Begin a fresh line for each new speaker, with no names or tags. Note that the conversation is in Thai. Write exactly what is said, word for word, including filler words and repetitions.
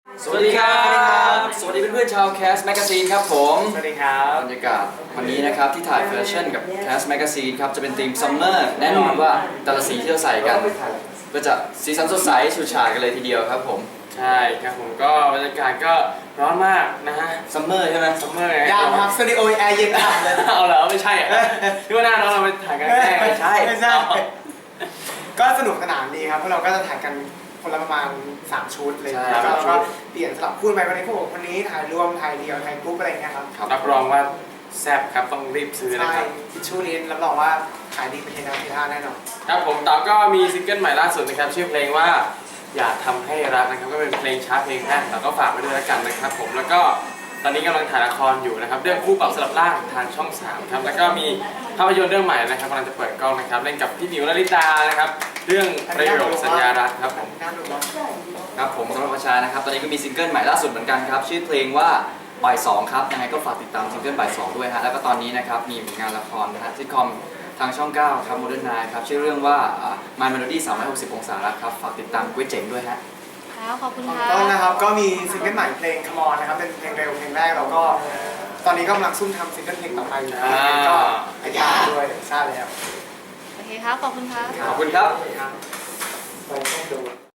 สวัสดีครับสวัสดีเพื่อนๆชาว Cast Magazine ครับผม
สวัสดีครับ
บรรยากาศวันนี้นะครับที่ถ่ายแฟชั่นกับ Cast Magazine ครับจะเป็นธีม Summer แน่นอนว่าแต่ละสีที่เราใส่กันก็จะสีสันสดใสฉูดฉาดกันเลยทีเดียวครับผม
ใช่ครับผมก็บรรยากาศก็ร้อนมากนะฮะ
Summer ใช่ไหม
ซัมเมอร์ไง
ยาวครับสตูดิโอแอร์เย็นอับเลย
เอาเหรอไม่ใช่อ่ะที่ว่าหน้าน้องเราไปถ่ายกันแน่ไม่ใช่
ไม่ใช่ ก็สนุกสนานดีครับเพราะเราก็จะถ่ายกันคนละประมาณสามชุดเลยแล้วก็ก็เปลี่ยนสลับคู่ไปวันนี้คู่วันนี้ถ่ายรวมถ่ายเดี่ยวถ่ายกรุ๊ปอะไรเงี้ยครับ
รับรองว่าแซ่บครับต้องรีบซื้อนะ
ใช่
ครับ
ทิชชู่นี้รับรองว่าขายดีเป็นเทน้ำเทท่าแน่นอน
ครับผมต่อก็มีซิงเกิลใหม่ล่าสุดนะครับชื่อเพลงว่าอย่าทำให้รักนะครับก็เป็นเพลงช้าเพลงแรกเราก็ฝากไว้ด้วยแล้วกันนะครับผมแล้วก็ตอนนี้กำลังถ่ายละครอยู่นะครับเรื่องคู่ปรับสลับร่างทางช่องสามครับแล้วก็มีภาพยนตร์เรื่องใหม่นะครับกำลังจะเปิดกล้องนะครับเล่นกับพี่หมิวลลิตานะครับเรื่องประโยคสัญญารักครับผม
น่าดูเนาะ
ครับผมสำหรับประชานะครับตอนนี้ก็มีซิงเกิลใหม่ล่าสุดเหมือนกันครับชื่อเพลงว่าบ่ายสองครับยังไงก็ฝากติดตามซิงเกิลบ่ายสองด้วยฮะแล้วก็ตอนนี้นะครับมีผลงานละครนะฮะซิทคอมทางช่องเก้าครับโมเดิร์นไนน์ครับชื่อเรื่องว่า My Melody สามร้อยหกสิบองศารักครับฝากติดตามกุ้ยเจ๋งด้วยฮะ
ครับขอบคุณ
ของ
ค่ะ
ต้นนะครับก็มีซิงเกิลใหม่เพลง Come On นะครับเป็นเพลงเร็วเพลงแรกแล้วก็ตอนนี้ก็กำลังซุ่มทำซิงเกิลเพลงต่อไปอยู่ก็อายาด้วยทราบแล้ว
โอเคครับ ขอบคุณครับ
ขอบคุณครับ
ครับ